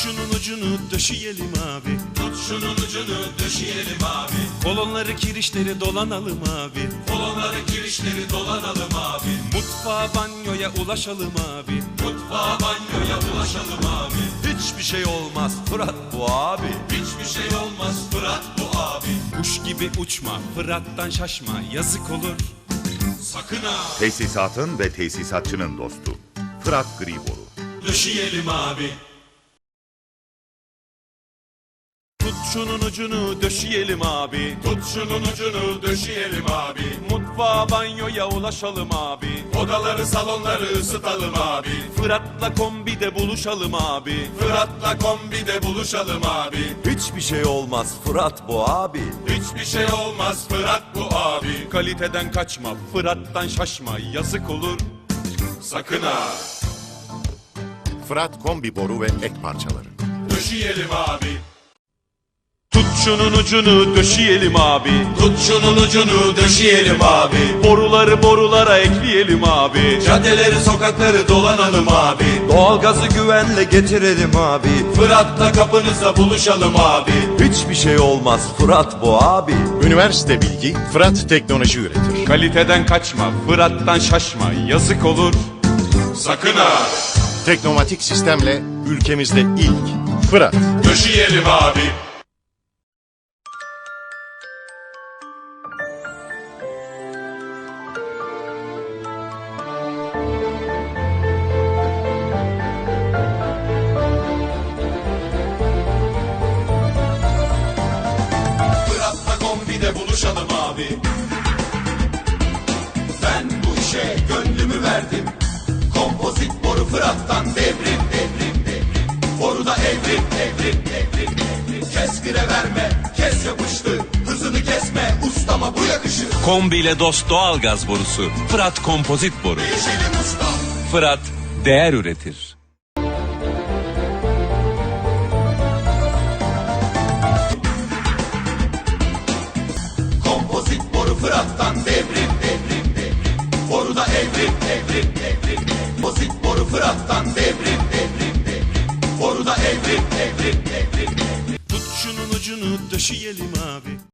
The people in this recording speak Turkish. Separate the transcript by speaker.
Speaker 1: şunun ucunu döşeyelim abi.
Speaker 2: Tut şunun ucunu döşeyelim abi.
Speaker 1: Kolonları kirişleri dolanalım abi.
Speaker 2: Kolonları kirişleri dolanalım abi.
Speaker 1: Mutfağa banyoya ulaşalım abi.
Speaker 2: Mutfağa banyoya ulaşalım abi.
Speaker 3: Hiçbir şey olmaz Fırat bu abi.
Speaker 2: Hiçbir şey olmaz Fırat bu abi.
Speaker 1: Kuş gibi uçma, Fırat'tan şaşma, yazık olur.
Speaker 2: Sakın ha.
Speaker 4: Tesisatın ve tesisatçının dostu. Fırat Griboru.
Speaker 2: Döşeyelim abi.
Speaker 1: Tut şunun ucunu döşeyelim abi.
Speaker 2: Tut şunun ucunu döşeyelim abi.
Speaker 1: Mutfağa banyoya ulaşalım abi.
Speaker 2: Odaları salonları ısıtalım abi.
Speaker 1: Fırat'la kombide buluşalım abi.
Speaker 2: Fırat'la kombide buluşalım abi.
Speaker 3: Hiçbir şey olmaz Fırat bu abi.
Speaker 2: Hiçbir şey olmaz Fırat bu abi.
Speaker 1: Kaliteden kaçma, Fırat'tan şaşma, yazık olur.
Speaker 2: Sakın ha.
Speaker 5: Fırat kombi boru ve ek parçaları.
Speaker 2: Döşeyelim abi.
Speaker 1: Tut şunun ucunu döşeyelim abi.
Speaker 2: Tut şunun ucunu döşeyelim abi.
Speaker 1: Boruları borulara ekleyelim abi.
Speaker 2: Caddeleri sokakları dolanalım abi.
Speaker 3: Doğalgazı güvenle getirelim abi.
Speaker 2: Fırat'la kapınıza buluşalım abi.
Speaker 3: Hiçbir şey olmaz Fırat bu abi.
Speaker 5: Üniversite bilgi Fırat teknoloji üretir.
Speaker 1: Kaliteden kaçma, Fırat'tan şaşma, yazık olur.
Speaker 2: Sakın ha.
Speaker 5: Teknomatik sistemle ülkemizde ilk Fırat.
Speaker 2: Döşeyelim abi. Fırat'la kombide buluşalım abi. Ben bu işe gönlümü verdim. Kompozit boru Fırat'tan devrim devrim devrim. Boruda evrim evrim evrim evrim. Kes fire verme, kes yapıştı. Hızını kesme, ustama bu yakışır.
Speaker 6: Kombiyle dost doğalgaz borusu. Fırat kompozit boru.
Speaker 2: Değişelim ustam.
Speaker 6: Fırat değer üretir.
Speaker 2: Kompozit boru Fırat'tan devrim devrim devrim. Boruda evrim evrim evrim. Kompozit boru Fırat'tan devrim devrim devrim. Boruda evrim evrim evrim.
Speaker 1: Tut şunun ucunu döşeyelim abi.